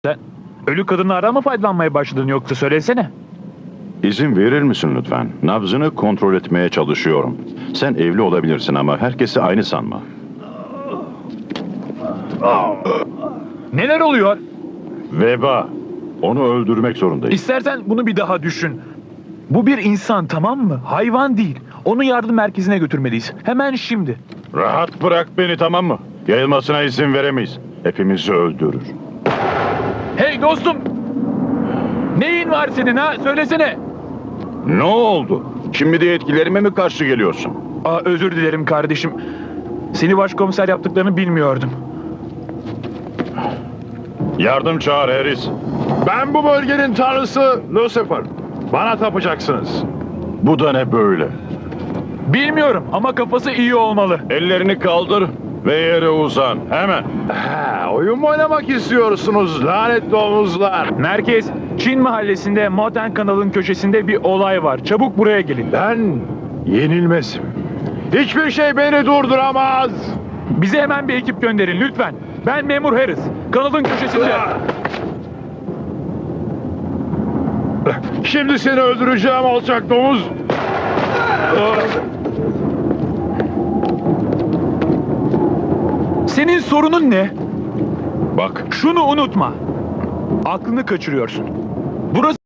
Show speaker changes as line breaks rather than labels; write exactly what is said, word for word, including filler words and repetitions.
Sen ölü kadınlardan mı faydalanmaya başladın yoksa söylesene.
İzin verir misin lütfen? Nabzını kontrol etmeye çalışıyorum. Sen evli olabilirsin ama herkesi aynı sanma.
Neler oluyor?
Veba. Onu öldürmek zorundayız.
İstersen bunu bir daha düşün. Bu bir insan, tamam mı? Hayvan değil. Onu yardım merkezine götürmeliyiz. Hemen şimdi.
Rahat bırak beni, tamam mı? Yayılmasına izin veremeyiz. Hepimizi öldürür.
Hey dostum! Neyin var senin ha? Söylesene.
Ne oldu? Şimdi de etkilerime mi karşı geliyorsun?
Aa, özür dilerim kardeşim. Seni başkomiser yaptıklarını bilmiyordum.
Yardım çağır Harris.
Ben bu bölgenin tanrısı Lucifer. Bana tapacaksınız.
Bu da ne böyle?
Bilmiyorum ama kafası iyi olmalı.
Ellerini kaldır ve yere uzan. Hemen.
Ha, oyun mu oynamak istiyorsunuz lanetli omuzlar?
Merkez, Çin mahallesinde Moten kanalın köşesinde bir olay var. Çabuk buraya gelin.
Ben yenilmezim. Hiçbir şey beni durduramaz.
Bize hemen bir ekip gönderin lütfen. Ben memur Harris. Kanalın köşesinde.
Şimdi seni öldüreceğim alçak domuz.
Senin sorunun ne?
Bak.
Şunu unutma. Aklını kaçırıyorsun. Burası